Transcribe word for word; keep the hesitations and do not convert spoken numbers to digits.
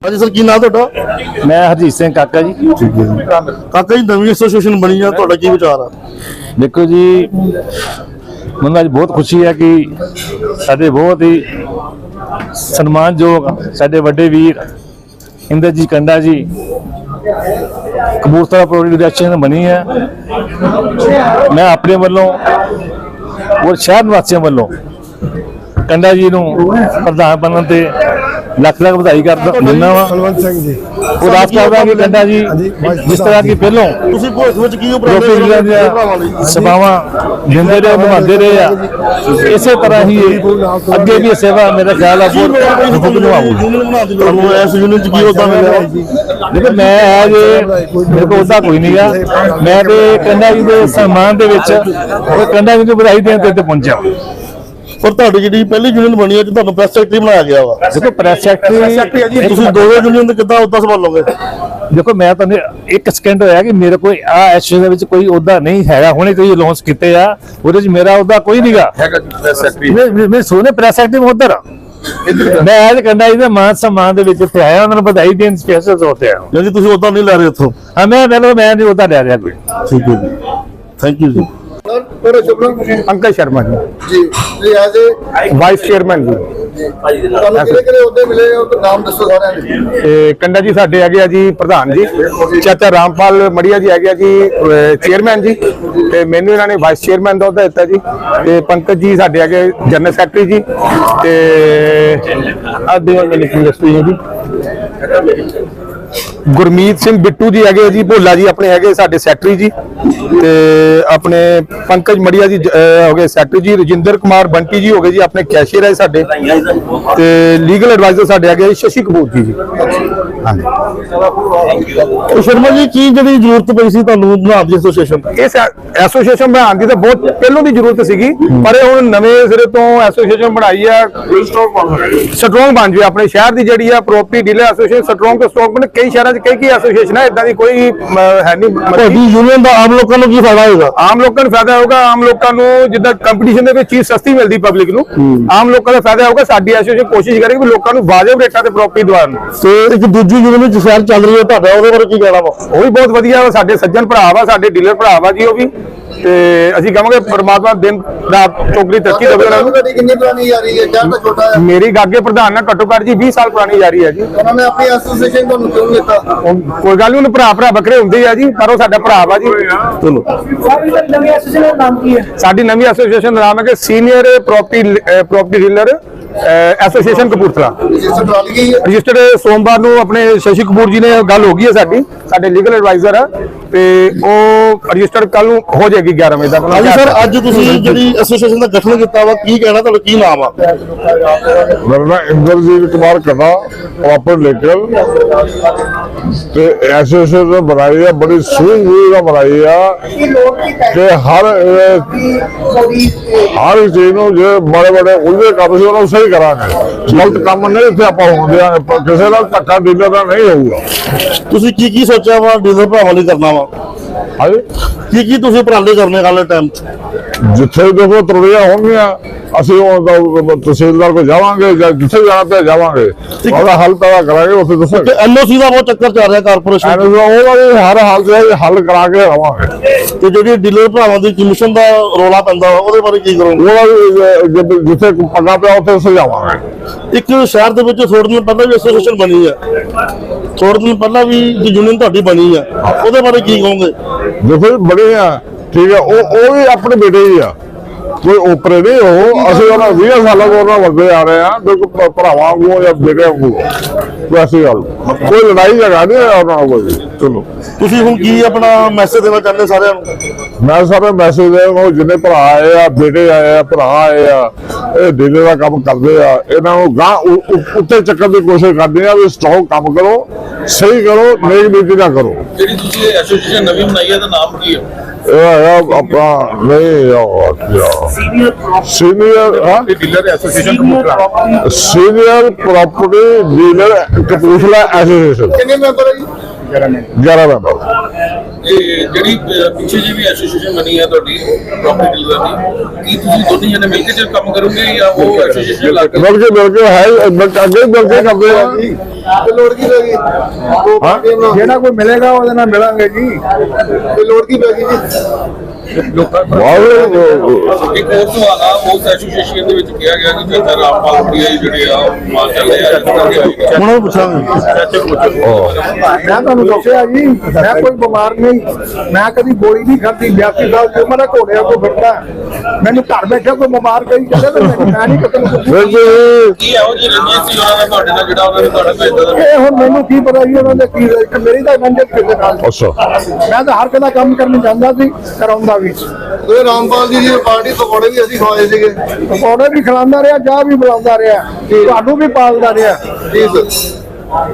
हाँ जी सर, की नाम तुहाडा? मैं हरजीत सिंह काका जी। काका जी, नवी एसोसीएशन बनी है, तुहाडा की विचार है? देखो जी, मैं अज बहुत खुशी है कि साडे बहुत ही सन्मानयोग साडे वड्डे वीर इंद्रजीत कंडा जी कबूरथला प्रोविंस एसोसीएशन बनी है। मैं अपने वालों और शहर निवासियों वालों कंडा जी नूं प्रधान बनने ते लख लख बधाई कर दिंदा वा। बलवंत सिंह जी और आस करदा कि कंडा जी जिस तरह की पहलों ਤੁਸੀਂ ਭਵਿੱਖ ਵਿੱਚ ਕੀ ਉਪਰਾਲੇ ਕਰੋਗੇ ਭਰਾਵਾਂ ਲਈ? सभावां दिंदे रहे निभाते रहे आ, इसे तरह ही अगे भी सेवा मेरा ख्याल है बहुत निभाऊगी। ਤੁਹਾਨੂੰ ਇਸ ਯੂਨੀਅਨ ਚ ਕੀ ਉਹਦਾ ਮਿਲਿਆ? देखो मैं आज मेरे को ਉਹਦਾ ਕੋਈ ਨਹੀਂ ਆ, ਮੈਂ ਤੇ ਕੰਡਾ ਜੀ ਦੇ ਸਨਮਾਨ ਦੇ ਵਿੱਚ ਉਹ ਕੰਡਾ ਜੀ ਨੂੰ ਵਧਾਈ ਦੇਣ ਤੇ ਇੱਥੇ ਪਹੁੰਚਿਆ। ਪਰ ਤੁਹਾਡੀ ਜਿਹੜੀ ਪਹਿਲੀ ਯੂਨੀਅਨ ਬਣੀ ਹੈ ਤੇ ਤੁਹਾਨੂੰ ਪ੍ਰੈਸ ਸੈਕਟਰੀ ਬਣਾਇਆ ਗਿਆ ਵਾ। ਦੇਖੋ ਪ੍ਰੈਸ ਸੈਕਟਰੀ ਤੁਸੀਂ ਦੋਵੇਂ ਯੂਨੀਅਨ ਦੇ ਕਿੱਦਾਂ ਉਹਦਾ ਸੰਭਾਲੋਗੇ? देखो मैं तो एक सेकंड होया कि मेरे कोई आ एसोसीएशन ਵਿੱਚ ਕੋਈ ਉਹਦਾ ਨਹੀਂ ਹੈਗਾ, ਹੁਣੇ ਕੋਈ ਅਨਾਉਂਸ ਕੀਤੇ ਆ, ਉਹਦੇ ਵਿੱਚ ਮੇਰਾ ਉਹਦਾ ਕੋਈ ਨਹੀਂਗਾ ਹੈਗਾ ਪ੍ਰੈਸ ਸੈਕਟਰੀ। ਮੈਂ ਮੈਂ ਸੋਨੇ ਪ੍ਰੈਸ ਸੈਕਟਰੀ ਮੈਂ ਉਧਰ ਮੈਂ ਅੱਜ ਕੰਡਾ ਜੀ ਦੇ ਮਾਨ ਸਨਮਾਨ ਦੇ ਵਿੱਚ ਇੱਥੇ ਆਇਆ, ਉਹਨਾਂ ਨੂੰ ਵਧਾਈ ਦੇਣ ਸਪੈਸ਼ਲ ਤੌਰ ਤੇ ਆਇਆ। ਜੀ ਤੁਸੀਂ ਉਹਦਾ ਨਹੀਂ ਲੈ ਰਹੇ ਇੱਥੋਂ? ਹਾਂ ਮੈਂ ਮੈਂ ਮੈਂ ਨਹੀਂ ਉਹਦਾ ਲੈ ਰਿਹਾ ਕੋਈ। ਠੀਕ ਹੈ ਜੀ, ਥੈਂਕ ਯੂ ਜੀ। अंकल शर्मा जी जी जी एज ए वाइस चेयरमैन जी। ਤੁਹਾਨੂੰ ਕਿਹੜੇ ਕਿਹੜੇ ਉਹਦੇ ਮਿਲੇ ਉਹ ਤਾਂ ਨਾਮ ਦੱਸੋ ਸਾਰਿਆਂ ਦੇ। ਤੇ ਕੰਡਾ ਜੀ ਸਾਡੇ ਹੈਗੇ ਆ ਜੀ ਪ੍ਰਧਾਨ ਜੀ, ਚਾਚਾ ਰਾਮਪਾਲ ਮੜੀਆ ਜੀ ਹੈਗੇ ਆ ਜੀ ਚੇਅਰਮੈਨ ਜੀ, ਤੇ ਮੈਨੂੰ ਇਹਨਾਂ ਨੇ ਵਾਈਸ ਚੇਅਰਮੈਨ ਦਾ ਅਹੁਦਾ ਦਿੱਤਾ ਜੀ। ਤੇ ਪੰਕਜ ਜੀ ਸਾਡੇ ਹੈਗੇ ਜਨਰਲ ਸੈਕਟਰੀ ਜੀ, ਤੇ ਆਦੇ ਵਾਲੇ ਇੰਡਸਟਰੀ ਜੀ ਗੁਰਮੀਤ ਸਿੰਘ ਬਿੱਟੂ ਜੀ ਹੈਗੇ ਜੀ, ਭੋਲਾ ਜੀ ਆਪਣੇ ਹੈਗੇ ਸਾਡੇ ਸੈਕਟਰੀ ਜੀ, ਤੇ ਆਪਣੇ ਪੰਕਜ ਮੜੀਆ ਜੀ ਹੋ ਗਏ ਸੈਕਟਰੀ ਜੀ, ਰਜਿੰਦਰ ਕੁਮਾਰ ਬੰਟੀ ਜੀ ਹੋ ਗਏ ਜੀ ਆਪਣੇ ਕੈਸ਼ੀਅਰ ਹੈ ਸਾਡੇ, ਤੇ ਲੀਗਲ ਐਡਵਾਈਜ਼ਰ ਸਾਡੇ ਹੈਗੇ ਸ਼ਸ਼ੀ ਕਪੂਰ ਜੀ। ਹਾਂਜੀ ਸ਼ਰਮਾ ਜੀ, ਕੀ ਜਿਹੜੀ ਜ਼ਰੂਰਤ ਪਈ ਸੀ ਤੁਹਾਨੂੰ ਬਣਾਉਣ ਦੀ ਐਸੋਸੀਏਸ਼ਨ? ਇਸ ਐਸੋਸੀਏਸ਼ਨ ਬਣਾਉਣ ਦੀ ਤਾਂ ਬਹੁਤ ਪਹਿਲੋਂ ਦੀ ਜ਼ਰੂਰਤ ਸੀਗੀ, ਪਰ ਇਹ ਹੁਣ ਨਵੇਂ ਸਿਰੇ ਤੋਂ ਐਸੋਸੀਏਸ਼ਨ ਬਣਾਈ ਆ, ਸਟਰੋਂਗ ਬਣ ਜਾਵੇ ਆਪਣੇ ਸ਼ਹਿਰ ਦੀ ਜਿਹੜੀ ਆ ਪ੍ਰੋਪਰਟੀ ਡੀਲਰ ਐਸੋਸੀਏਸ਼ਨ ਸਟਰੋਂਗ ਤੋਂ ਸਟਰੋਂਗ ਬਣੇ। ਕਈ ਸ਼ਹਿਰਾਂ 'ਚ ਕਈ ਕੀ ਐਸੋਸੀਏਸ਼ਨ ਹੈ, ਇਦਾਂ ਦੀ ਕੋਈ ਹੈ ਨਹੀਂ। ਤੁਹਾਡੀ ਯੂਨੀਅਨ ਦਾ ਆਮ ਲੋਕਾਂ ਨੂੰ ਕੀ ਫਾਇਦਾ ਹੋਏਗਾ? ਆਮ ਲੋਕਾਂ ਨੂੰ ਫਾਇਦਾ ਹੋਊਗਾ, ਆਮ ਲੋਕਾਂ ਨੂੰ ਜਿੱਦਾਂ ਕੰਪੀਟੀਸ਼ਨ ਦੇ ਵਿੱਚ ਚੀਜ਼ ਸਸਤੀ ਮਿਲਦੀ ਪਬਲਿਕ ਨੂੰ, ਆਮ ਲੋਕਾਂ ਦਾ ਫਾਇਦਾ ਹੋਊਗਾ। ਸਾਡੀ ਐਸੋਸੀਏਸ਼ਨ ਕੋਸ਼ਿਸ਼ ਕਰੇਗੀ ਵੀ ਲੋਕਾਂ ਨੂੰ ਵਾਜਬ ਰੇਟਾਂ ਤੇ ਪ੍ਰੋਪਰਟੀ ਦਿਵਾਉਣ। ਤੇ ਇੱਕ ਦੂਜੀ ਯੂਨੀਅਨ ਵਿੱਚ ਸ਼ਹਿਰ ਚੱਲ ਰਹੀ ਹੈ ਤੁਹਾਡਾ, ਉਹਦੇ ਬਾਰੇ ਕੀ ਕਹਿਣਾ ਵਾ? ਉਹ ਵੀ ਬਹੁਤ ਵਧੀਆ ਵਾ, ਸਾਡੇ ਸੱਜਣ ਭਰਾ ਵਾ, ਸਾਡੇ ਡੀਲਰ ਭਰਾ ਵਾ ਜੀ ਉਹ ਵੀ, ਤੇ ਅਸੀਂ ਕਹਾਂਗੇ ਪਰਮਾਤਮਾ ਦਿਨ ਰਾਤ ਚੌਕਰੀ ਤਰੱਕੀ ਦੇਵੇ ਉਹਨਾਂ ਨੂੰ। ਤੁਹਾਡੀ ਕਿੰਨੀ ਪੁਰਾਣੀ ਯਾਰੀ ਹੈ? ਸ਼ਹਿਰ ਤਾਂ ਛੋਟਾ ਹੈ। ਮੇਰੀ ਗਾਗੇ ਪ੍ਰਧਾਨ ਨਾਲ ਘੱਟੋ ਘੱਟ ਜੀ ਵੀਹ ਸਾਲ ਪੁਰਾਣੀ ਯਾਰੀ ਹੈ ਜੀ। ਉਹਨਾਂ ਨੇ ਆਪਣੀ ਐਸੋਸੀਏਸ਼ਨ ਤੁਹਾਨੂੰ ਕਿਉਂ ਦਿੱਤਾ? ਉਹ ਕੋਈ ਗੱਲ ਨਹੀਂ, ਉਹਨੂੰ ਭਰਾ ਭਰਾ ਵੱਖਰੇ ਹੁੰਦੇ ਆ ਜੀ, ਪਰ ਉਹ ਸਾਡਾ ਭਰਾ ਵਾ ਜੀ। ਚਲੋ, ਨਵੀਂ ਐਸੋਸੀਏਸ਼ਨ ਦਾ ਨਾਮ ਕੀ ਹੈ? ਸਾਡੀ ਨਵੀਂ ਐਸੋਸੀਏਸ਼ਨ ਦਾ ਨਾਮ ਹੈ ਕਿ senior property property dealer association Kapurthala. Register ਕਰਾ ਲਈ ਗਈ ਹੈ। ਰਜਿਸਟਰਡ ਸੋਮਵਾਰ ਨੂੰ ਆਪਣੇ ਸ਼ਸ਼ੀ ਕਪੂਰ ਜੀ ਨੇ ਗੱਲ ਹੋ ਗਈ ਹੈ ਸਾਡੀ, ਸਾਡੇ ਲੀਗਲ ਐਡਵਾਈਜ਼ਰ ਆ, ਤੇ ਉਹ ਰਜਿਸਟਰਡ ਕੱਲ ਨੂੰ ਹੋ ਜਾਏਗੀ ਗਿਆਰਾਂ ਵਜੇ ਤੱਕ। ਹਾਂਜੀ ਸਰ, ਅੱਜ ਤੁਸੀਂ ਜਿਹੜੀ ਐਸੋਸੀਏਸ਼ਨ ਦਾ ਗਠਨ ਕੀਤਾ ਵਾ, ਕੀ ਕਹਿਣਾ, ਤੁਹਾਡਾ ਕੀ ਨਾਮ ਆ? मेरा नाम इंद्रजीत कुमार कन्ना प्रॉपर लेकर ते एसोसिएशन बनाई है, बड़ी सूझबूझ बनाई है कि हर हर चीज नूं जो बड़े बड़े उलझे काम से उन्हें सही करांगे। गलत काम नहीं इत्थे आपां होण दिआंगे, किसी दा धक्का डीलर दा नहीं होऊगा। ਤੁਸੀਂ ਕੀ ਕੀ ਸੋਚਿਆ ਵਾ ਡੀਲਰ ਭਰਾਵਾਂ ਲਈ ਕਰਨਾ ਵਾ? हाँ जी, ਕੀ ਕੀ ਤੁਸੀਂ ਉਪਰਾਲੇ ਕਰਨੇ ਵਾਲੇ ਟਾਈਮ 'ਚ? जिथे देखो त्रुटियां होंगियां ਅਸੀਂ ਉਹ ਤਹਿਸੀਲਦਾਰ ਕੋਲ ਜਾਵਾਂਗੇ ਜਾਂ ਜਿੱਥੇ ਜਾਣਾ ਪਿਆ ਜਾਵਾਂਗੇ, ਉਹਦਾ ਹੱਲ ਪੈਦਾ ਕਰਾਂਗੇ। ਉੱਥੇ ਦੱਸੋ ਤੇ ਐਨਓਸੀ ਦਾ ਬਹੁਤ ਚੱਕਰ ਚੱਲ ਰਿਹਾ ਕਾਰਪੋਰੇਸ਼ਨ, ਉਹਦਾ ਵੀ ਹਰ ਹਾਲ ਚ ਹੱਲ ਕਰਾ ਕੇ ਰਵਾਂਗੇ। ਤੇ ਜਿਹੜੀ ਡੀਲਰ ਭਰਾਵਾਂ ਦੀ ਕਮਿਸ਼ਨ ਦਾ ਰੌਲਾ ਪੈਂਦਾ ਉਹਦੇ ਬਾਰੇ ਕੀ ਕਰੋਗੇ? ਉਹਦਾ ਵੀ ਜਿੱਥੇ ਪੱਗਾ ਪਿਆ ਉੱਥੇ ਸੁਝਾਵਾਂਗੇ। ਇੱਕ ਸ਼ਹਿਰ ਦੇ ਵਿੱਚ ਥੋੜੇ ਦਿਨ ਪਹਿਲਾਂ ਵੀ ਐਸੋਸੀਏਸ਼ਨ ਬਣੀ ਹੈ, ਥੋੜੇ ਦਿਨ ਪਹਿਲਾਂ ਵੀ ਯੂਨੀਅਨ ਤੁਹਾਡੀ ਬਣੀ ਆ, ਉਹਦੇ ਬਾਰੇ ਕੀ ਕਹੋਗੇ? ਦੇਖੋ ਬੜੇ ਆ, ਠੀਕ ਹੈ, ਉਹ ਉਹ ਵੀ ਆਪਣੇ ਬੇਟੇ ਹੀ ਆ, ਕੋਈ ਓਪਰੇ ਨਹੀਂ। ਉਹ ਅਸੀਂ ਉਹਨਾਂ ਵੀਹ ਸਾਲਾਂ ਤੋਂ ਉਹਨਾਂ ਵੱਡੇ ਆ ਰਹੇ ਆ, ਬਿਲਕੁਲ ਭਰਾਵਾਂ ਵਾਂਗੂ ਜਾਂ ਬੇਟੇ ਵਾਂਗੂ। ਵੈਸੀ ਗੱਲ ਕੋਈ ਲੜਾਈ ਝਗੜਾ ਨਹੀਂ ਉਹਨਾਂ ਨਾਲ ਕੋਈ। ਚਲੋ, ਤੁਸੀਂ ਹੁਣ ਕੀ ਆਪਣਾ ਮੈਸੇਜ ਦੇਣਾ ਚਾਹੁੰਦੇ ਸਾਰਿਆਂ ਨੂੰ? ਮੈਂ ਸਾਰੇ ਮੈਸੇਜ ਦੇ ਜਿੰਨੇ ਭਰਾ ਆਏ ਆ, ਬੇਟੇ ਆਏ ਆ, ਭਰਾ ਆਏ ਆ, ਇਹ ਡੀਲਰ ਦਾ ਕੰਮ ਕਰਦੇ ਆ, ਇਹਨਾਂ ਨੂੰ ਗਾਂ ਉੱਤੇ ਚੱਕਣ ਦੀ ਕੋਸ਼ਿਸ਼ ਕਰਦੇ ਆ ਵੀ ਸਟਰੋਂਗ ਕੰਮ ਕਰੋ, ਸਹੀ ਕਰੋ, ਨੇਕ ਨੀਤੀ ਨਾ ਕਰੋ। ਜਿਹੜੀ ਤੁਸੀਂ ਐਸੋਸੀਏਸ਼ਨ ਨਵੀਂ ਬਣਾਈ ਹੈ, ਦਾ ਨਾਮ ਕੀ ਹੈ? ਇਹ ਆਪਣਾ ਨਹੀਂ ਸੀਨੀਅਰ ਹਾਂ dealer association Kapurthala, senior property dealer Kapurthala association. ਕਿੰਨੇ ਮੈਂਬਰ ਹੈ ਜੀ? ਗਿਆਰਾਂ ਮੈਂਬਰ। ਇਹ ਜਿਹੜੀ ਅਹ, ਪਿੱਛੇ ਜੀ ਵੀ ਐਸੋਸੀਏਸ਼ਨ ਬਣੀ ਹੈ ਤੁਹਾਡੀ ਪ੍ਰੋਪਰਟੀ ਡੀਲਰ ਦੀ, ਕੀ ਤੁਸੀਂ ਦੋਨੇ ਜਣੇ ਮਿਲ ਕੇ ਜੇ ਕੰਮ ਕਰੋਗੇ ਜਾਂ ਉਹ ਐਸੋਸੀਏਸ਼ਨ ਲਾ ਕੇ? ਮਿਲ ਕੇ ਮਿਲ ਕੇ ਹੈ, ਅੱਗੇ ਮਿਲ ਕੇ ਕਰਦੇ ਆ। ਤੇ ਲੋੜ ਕੀ ਪੈ ਗਈ ਦੋ ਪਾਰਟੀਆਂ ਨਾਲ ਜਿਹੜਾ ਕੋਈ ਮਿਲੇਗਾ ਉਹਦੇ ਨਾਲ ਮਿਲਾਂਗੇ ਜੀ। ਤੇ ਲੋੜ ਕੀ ਪੈ ਗਈ ਜੀ ਬਹੁਤ ਇੱਕ ਹੋਰ ਸਵਾਲ ਆ, ਉਸ ਐਸੋਸੀਏਸ਼ਨ ਦੇ ਵਿੱਚ ਕਿਹਾ ਗਿਆ ਕਿ ਚਾਚਾ ਰਾਮਪਾਲ ਮੜੀਆ ਜੀ ਜਿਹੜੇ ਆ ਉਹ ਮਾਰ ਚੱਲੇ ਆ ਉਹਨਾਂ ਨੂੰ ਪੁੱਛਾਂਗੇ। ਮੈਂ ਤੁਹਾਨੂੰ ਦੱਸਿਆ ਜੀ, ਮੈਂ ਕੋਈ ਬਿਮਾਰ ਨਹੀਂ, ਮੈਂ ਕਦੀ ਗੋਲੀ ਨਹੀਂ ਖਾਧੀ, ਬਿਆਸੀ ਸਾਲ ਦੀ ਉਮਰ ਹੈ, ਘੋੜਿਆਂ ਤੋਂ ਫਿਰਦਾ। ਮੈਨੂੰ ਘਰ ਬੈਠਾ ਕੋਈ ਬਿਮਾਰ ਕਰੀ ਚੱਲੇ ਤੇ ਮੈਂ ਮੈਂ ਨਹੀਂ ਕਤਲ ਬਿਲਕੁਲ ਕੀ ਇਹੋ ਜਿਹੀ ਰੰਜਿਸ਼ ਸੀ ਉਹਨਾਂ ਦਾ ਤੁਹਾਡੇ ਨਾਲ ਜਿਹੜਾ ਉਹਨਾਂ ਨੇ ਤੁਹਾਡੇ ਭੇਜਦਾ? ਇਹ ਹੁਣ ਮੈਨੂੰ ਕੀ ਪਤਾ ਜੀ ਉਹਨਾਂ ਦੇ ਕੀ ਇੱਕ ਮੇਰੀ ਤਾਂ ਰੰਜਿਸ਼ ਕਿਸੇ ਨਾਲ। ਅੱਛਾ ਮੈਂ ਤਾਂ ਹਰ ਕਿਹਦਾ ਕੰਮ ਕਰਨ ਜਾਂਦਾ ਸੀ, ਕਰਾਉਂਦਾ ਵੀ। ਤੇ ਰਾਮਪਾਲ ਜੀ ਦੀ ਪਾਰਟੀ ਪਕੌੜੇ ਵੀ ਅਸੀਂ ਖਵਾਏ ਸੀਗੇ ਪਕੌੜੇ ਵੀ ਖਿਲਾਉਂਦਾ ਰਿਹਾ, ਚਾਹ ਵੀ ਬੁਲਾਉਂਦਾ ਰਿਹਾ, ਤੁਹਾਨੂੰ ਵੀ ਪਾਲਦਾ ਰਿਹਾ। ਜੀ ਸਰ